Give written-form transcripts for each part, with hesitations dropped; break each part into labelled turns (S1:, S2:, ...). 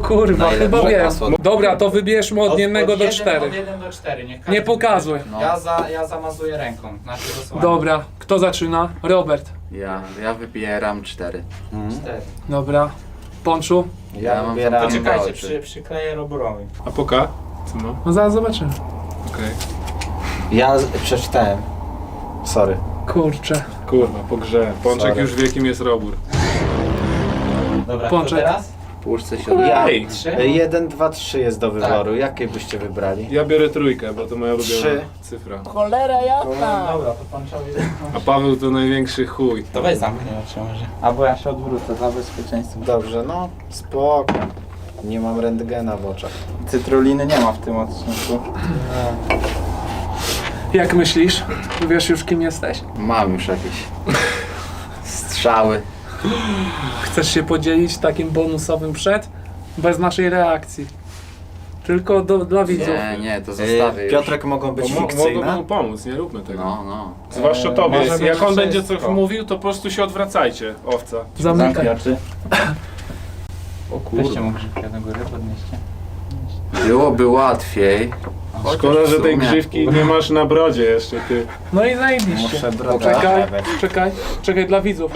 S1: kurwa, chyba
S2: Najlepsze
S1: wiem.
S2: hasło.
S1: Dobra, to wybierzmy od 1 do 4.
S3: Od 1 do 4, niech każdy
S1: Nie pokazuj.
S2: No.
S3: Ja zamazuję ręką, znaczy dosłownie.
S1: Dobra, kto zaczyna? Robert.
S2: Ja wybieram 4.
S3: 4.
S1: Dobra. Ponczu?
S2: Ja mam
S4: wybieram-
S2: zamknięte
S3: Poczekajcie,
S2: oczy.
S3: przykleję Roborowi.
S5: A poka? Co ma?
S1: No zaraz zobaczymy.
S5: Okej.
S4: Ja przeczytałem. Sorry.
S1: Kurczę.
S5: Kurwa, po grze. Pączek
S4: Sorry.
S5: już wie kim jest Robur.
S3: Dobra,
S1: Pączek.
S3: to teraz?
S2: Puszczę się od...
S4: Ja.
S5: Ej!
S3: 3.
S4: 1, 2, 3 jest do wyboru. Jakie byście wybrali?
S5: Ja biorę 3, bo to moja ulubiona
S4: 3.
S5: cyfra.
S4: Cholera jasna!
S3: Dobra, to Pączowi.
S5: A Paweł to największy chuj.
S3: To weź zamknij oczy może. Albo ja się odwrócę za bezpieczeństwo.
S4: Dobrze, no spoko. Nie mam rentgena w oczach.
S3: Cytruliny nie ma w tym odcinku.
S1: Jak myślisz? Wiesz już kim jesteś?
S2: Mam już jakieś strzały.
S1: Chcesz się podzielić takim bonusowym przed? Bez naszej reakcji. Tylko dla widzów.
S2: Nie, to zostawię już.
S4: Piotrek mogą być
S5: Mogą
S4: fikcyjne?
S5: mu pomóc, nie róbmy tego.
S2: No.
S5: Zwłaszcza tobie.
S3: może być
S5: Jak on będzie coś
S3: wszystko.
S5: mówił, to po prostu się odwracajcie, owca.
S1: Zamykaj.
S3: oczy.
S2: O
S3: Weźcie mu grzybkę do góry, podnieście.
S2: Byłoby łatwiej.
S5: Szkoda, że
S2: w
S5: tej
S2: sumie.
S5: grzywki nie masz na brodzie jeszcze, ty.
S1: No i zajebiście.
S4: Muszę brodę
S1: Czekaj,
S4: naprawiać.
S1: czekaj dla widzów.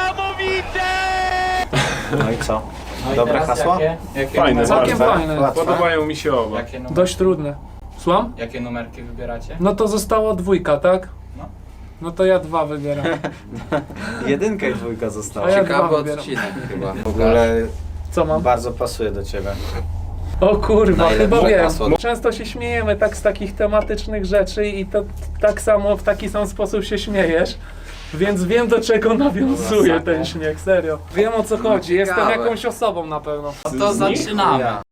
S4: No i co?
S3: No i
S4: Dobre
S3: teraz
S4: hasło?
S3: Jakie
S5: Fajne,
S3: numerki-
S1: Całkiem
S5: bardzo.
S1: fajne.
S4: Łatwe.
S5: Podobają mi się oba.
S3: Jakie numerki?
S1: Dość trudne. Słucham?
S3: Jakie numerki wybieracie?
S1: No to zostało 2, tak?
S3: No.
S1: No to ja 2 wybieram.
S4: Jedynka i dwójka została.
S1: A ja
S2: Ciekawy
S1: dwa wybieram.
S2: odcinek chyba.
S4: W ogóle
S1: Co mam?
S4: bardzo pasuje do ciebie.
S1: O kurwa,
S2: Najlepsze
S1: chyba wiem.
S2: hasło.
S1: Często się śmiejemy tak z takich tematycznych rzeczy i to tak samo w taki sam sposób się śmiejesz. Więc wiem do czego nawiązuje ten śmiech, serio. Wiem o co chodzi, jestem
S2: Ciekawe.
S1: jakąś osobą na pewno.
S3: No to zaczynamy.